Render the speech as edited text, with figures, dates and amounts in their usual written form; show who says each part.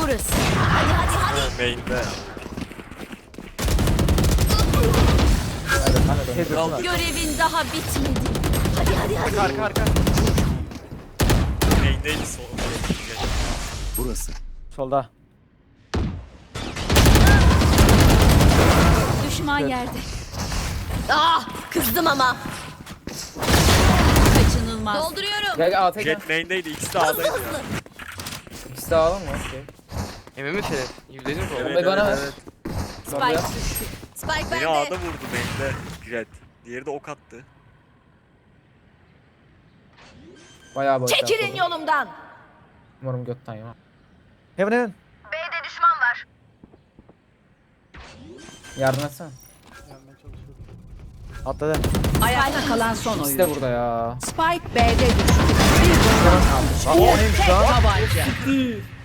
Speaker 1: burası. Hadi.
Speaker 2: Main'de.
Speaker 1: Görevin daha bitmedi. Hadi.
Speaker 3: Arka.
Speaker 2: Main'deydi sol.
Speaker 4: Burası.
Speaker 3: Solda.
Speaker 1: Düşman yerde. Ah, kızdım ama. Kaçınılmaz. Dolduruyorum.
Speaker 5: Gel A tek.
Speaker 2: Jet main'deydi. İkisi de A'daydı ya.
Speaker 5: İkisi de alalım mı? Okey.
Speaker 3: Emin misin? %100 mi?
Speaker 2: Evet,
Speaker 5: bana ver.
Speaker 2: evet.
Speaker 5: Bomba
Speaker 1: Spike
Speaker 5: yap.
Speaker 1: düştü. Spike
Speaker 2: Beni
Speaker 1: bende.
Speaker 2: A'da vurdu main'de Jet. Diğeri de ok attı.
Speaker 5: Bayağı boş.
Speaker 1: Çekilin yolumdan.
Speaker 5: Umarım götten ya.
Speaker 3: Heaven.
Speaker 1: B'de düşman var.
Speaker 5: Yardım etsene.
Speaker 3: Atladı.
Speaker 6: Ayakta kalan son
Speaker 5: İkisi de
Speaker 6: oyuncu.
Speaker 5: burada ya.
Speaker 6: Spike B'de düştü. Bir bomba kaldı.
Speaker 3: O neymiş lan?
Speaker 6: Tabanca.